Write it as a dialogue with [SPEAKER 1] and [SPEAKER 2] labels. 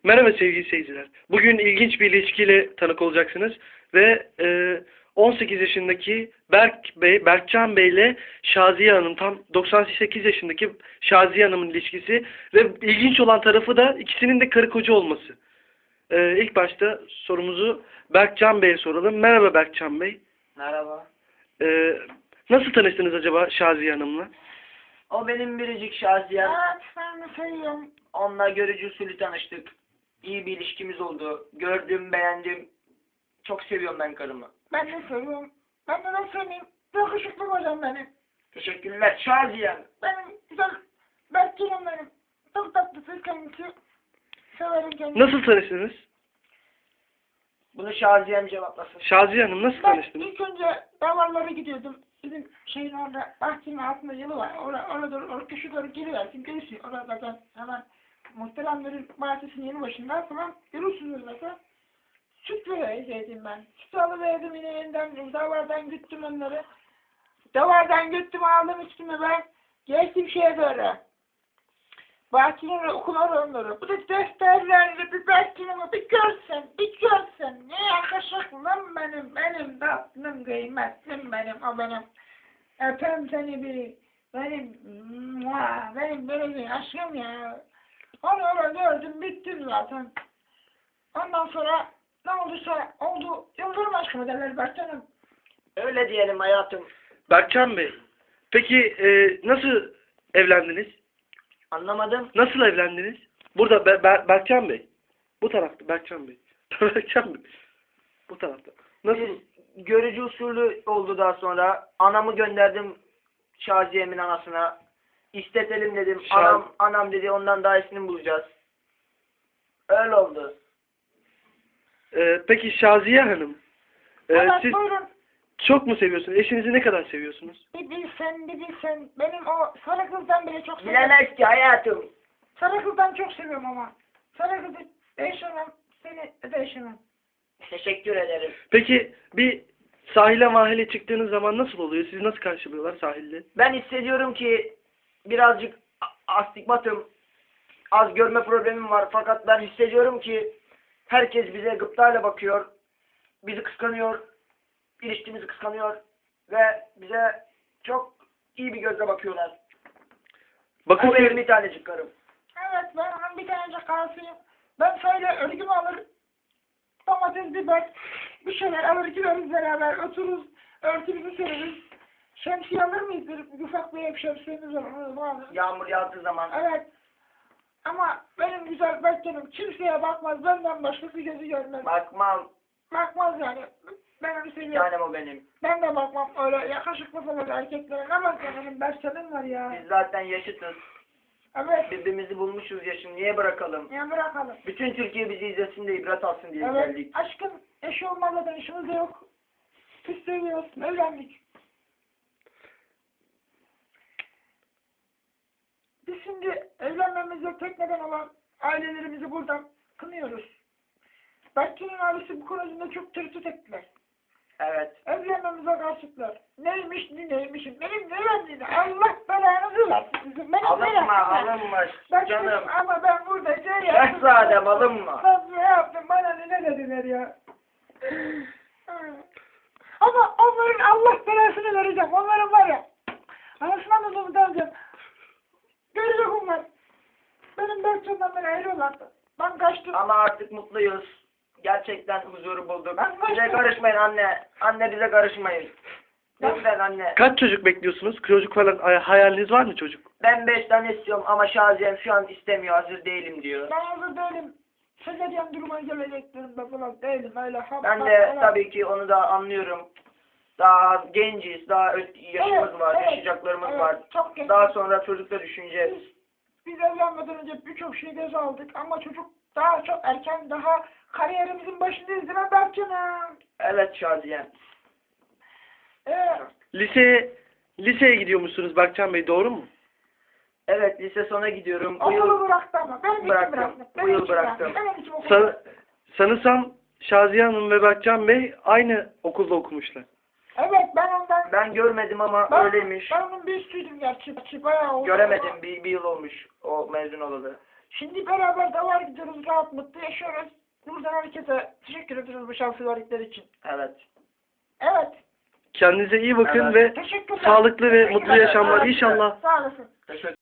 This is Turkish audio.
[SPEAKER 1] Merhaba sevgili seyirciler. Bugün ilginç bir ilişkiyle tanık olacaksınız ve 18 yaşındaki Berkcan Bey ile Şaziye Hanım, tam 98 yaşındaki Şaziye Hanım'ın ilişkisi ve ilginç olan tarafı da ikisinin de karı koca olması. İlk başta sorumuzu Berkcan Bey'e soralım. Merhaba Berkcan Bey.
[SPEAKER 2] Merhaba.
[SPEAKER 1] Nasıl tanıştınız acaba Şaziye Hanım'la?
[SPEAKER 2] O benim biricik Şaziyem.
[SPEAKER 3] Evet, ben de seviyorum.
[SPEAKER 2] Onunla görücü usulü tanıştık. İyi bir ilişkimiz oldu. Gördüm, beğendim. Çok seviyorum ben karımı.
[SPEAKER 3] Ben de seviyorum. Ben de seveyim. Yakışıklı hocam benim.
[SPEAKER 2] Teşekkürler Şaziyem.
[SPEAKER 3] Benim güzel Berkcan'ım benim. Çok tatlısı kendisi. Severim kendisi.
[SPEAKER 1] Nasıl tanıştınız?
[SPEAKER 2] Bunu Şaziyem cevaplasın.
[SPEAKER 1] Şaziye Hanım nasıl
[SPEAKER 3] Ben
[SPEAKER 1] tanıştınız?
[SPEAKER 3] ilk önce davarlara gidiyordum. Bizim şeyin orada, bahçenin altında yolu var. Orada doğru, köşe doğru geliversin, görürsün. Orada hemen muhteremlerin bahçesinin yanı başında falan görürsünüz mesela. Süt vereydim ben. Süt alıverdim yine yeniden, davardan güttüm onları. Davardan güttüm, aldım üstüme ben. Geçtim şeye doğru. Bahçenin okula onları. Bu da defterlerle bir Berkcan'ımı bir görsen. Ne yakışıklım benim tatlım, kıymetlim benim, o benim. Öpem seni benim böyle aşkım ya. Onu gördüm, bittim zaten. Ondan sonra ne olduysa oldu. Yıldırım aşkımı derler Berkcan'ım.
[SPEAKER 2] Öyle diyelim hayatım.
[SPEAKER 1] Berkcan Bey, peki nasıl evlendiniz?
[SPEAKER 2] Anlamadım.
[SPEAKER 1] Nasıl evlendiniz? Burada Berkcan Bey. Bu tarafta Berkcan Bey. Berkcan Bey. Bu tarafta. Nasıl?
[SPEAKER 2] Biz görücü usulü oldu daha sonra. Anamı gönderdim Şaziye'min anasına. İstetelim dedim. Anam dedi ondan daha iyisini bulacağız. Öyle oldu.
[SPEAKER 1] Peki Şaziye Hanım.
[SPEAKER 3] Evet,
[SPEAKER 1] Siz
[SPEAKER 3] buyurun.
[SPEAKER 1] çok mu seviyorsunuz? Eşinizi ne kadar seviyorsunuz?
[SPEAKER 3] Bir bilsen. Benim o sarı kızdan bile çok seviyorum.
[SPEAKER 2] Bilemez ki hayatım.
[SPEAKER 3] Sarı kızdan çok seviyorum ama. Sarı kızı değişemem. Seni değişemem.
[SPEAKER 2] Teşekkür ederim.
[SPEAKER 1] Peki bir sahile mahile çıktığınız zaman nasıl oluyor? Sizi nasıl karşılıyorlar sahilde?
[SPEAKER 2] Ben hissediyorum ki birazcık astigmatım, az görme problemim var. Fakat ben hissediyorum ki herkes bize gıptayla bakıyor. Bizi kıskanıyor. İlişkimizi kıskanıyor. Ve bize çok iyi bir gözle bakıyorlar.
[SPEAKER 1] Bakın
[SPEAKER 2] O benim bir tanecik karım.
[SPEAKER 3] Evet, ben onun bir tanecik karısıyım. Ben şöyle örgümü alır, domates, biber, bir şeyler alır gideriz beraber, otururuz, örtümüzü sereriz. Şemsiye alır mıyız? Bir ufak bir ev şemsiyemiz var, onu alırız.
[SPEAKER 2] Yağmur yağdığı zaman.
[SPEAKER 3] Evet. Ama benim güzel Berkcan'ım kimseye bakmaz, benden başkası gözü görmez.
[SPEAKER 2] Bakmam.
[SPEAKER 3] Bakmaz yani. Ben onu seviyorum.
[SPEAKER 2] Tanem o benim.
[SPEAKER 3] Ben de bakmam öyle yakışıklı falan erkeklere. Ne bak ya, benim Berkcan'ım var ya.
[SPEAKER 2] Biz zaten yaşıtız.
[SPEAKER 3] Evet.
[SPEAKER 2] Birbirimizi bulmuşuz yaşım. Niye bırakalım?
[SPEAKER 3] Ya bırakalım.
[SPEAKER 2] Bütün Türkiye bizi izlesin de ibret alsın diye
[SPEAKER 3] Evet.
[SPEAKER 2] geldik.
[SPEAKER 3] Aşkın eşi olmadan işimiz de yok. Biz seviyoruz. Evlendik. Biz şimdi evlenmemize tek neden olan ailelerimizi buradan kınıyoruz. Berkcan'ın ailesi bu konusunda çok tereddüt ettiler.
[SPEAKER 2] Evet.
[SPEAKER 3] Evlenmemize karşıtlar. Neymiş neymişim. Benim ne Allah belanızı versin sizin. Benim
[SPEAKER 2] Alınma.
[SPEAKER 3] Ben
[SPEAKER 2] Canım.
[SPEAKER 3] ama ben burada şey yaptım.
[SPEAKER 2] Şehzadem alınma.
[SPEAKER 3] Ben ne yaptım? Bana ne dediler ya? Ama onların Allah belasını vereceğim. Onların var ya. Anasından da zımda alacağım. Görecek onlar. Benim Berkcan'dan beri ayrıyorlardı. Ben kaçtım.
[SPEAKER 2] Ama artık mutluyuz. Gerçekten huzuru bulduk.
[SPEAKER 3] Ben
[SPEAKER 2] Bize
[SPEAKER 3] kaçtım.
[SPEAKER 2] karışmayın anne. Anne bize karışmayın. Lütfen anne.
[SPEAKER 1] Kaç çocuk bekliyorsunuz? Çocuk falan hayaliniz var mı çocuk?
[SPEAKER 2] Ben 5 tane istiyorum ama Şaziyem şu an istemiyor. Hazır değilim diyor.
[SPEAKER 3] Ben hazır değilim. Sezeryen duruma geleceklerimde falan değilim. Öyle
[SPEAKER 2] Ben de tabii ki onu da anlıyorum. Daha genciz. Daha yaşımız var. Yaşayacaklarımız var.
[SPEAKER 3] Çok geç.
[SPEAKER 2] Daha sonra çocukla düşüneceğiz.
[SPEAKER 3] Biz evlenmeden önce birçok şey göze aldık ama çocuk daha çok erken, daha kariyerimizin başındayız değil mi Berkcan'ım?
[SPEAKER 2] Evet Şaziyem.
[SPEAKER 1] Liseye gidiyormuşsunuz Berkcan Bey, doğru mu?
[SPEAKER 2] Evet lise sona gidiyorum. Bu
[SPEAKER 3] Okulu
[SPEAKER 2] yıl
[SPEAKER 3] bıraktı ama. Benim için
[SPEAKER 2] bıraktım.
[SPEAKER 3] bıraktı.
[SPEAKER 2] Bu yıl bıraktım.
[SPEAKER 3] Benim için okulu bıraktı.
[SPEAKER 1] Sanırsam Şaziye Hanım ve Berkcan Bey aynı okulda okumuşlar.
[SPEAKER 3] Evet, ben ondan...
[SPEAKER 2] ben görmedim ama
[SPEAKER 3] Ben-
[SPEAKER 2] öyleymiş.
[SPEAKER 3] Ben onun bir üstüydüm gerçi. Bayağı oldu.
[SPEAKER 2] Göremedim. Bir yıl olmuş o mezun olalı.
[SPEAKER 3] Şimdi beraber davar gidiyoruz, rahat mutlu yaşıyoruz. Buradan herkese teşekkür ederiz bu şansı verdikleri için.
[SPEAKER 2] Evet.
[SPEAKER 3] Evet.
[SPEAKER 1] Kendinize iyi bakın
[SPEAKER 2] Evet.
[SPEAKER 1] ve
[SPEAKER 3] Teşekkürler.
[SPEAKER 1] sağlıklı ve
[SPEAKER 3] Teşekkürler.
[SPEAKER 1] mutlu yaşamlar
[SPEAKER 3] Evet.
[SPEAKER 1] inşallah.
[SPEAKER 3] Sağ olasın.
[SPEAKER 2] Teşekkür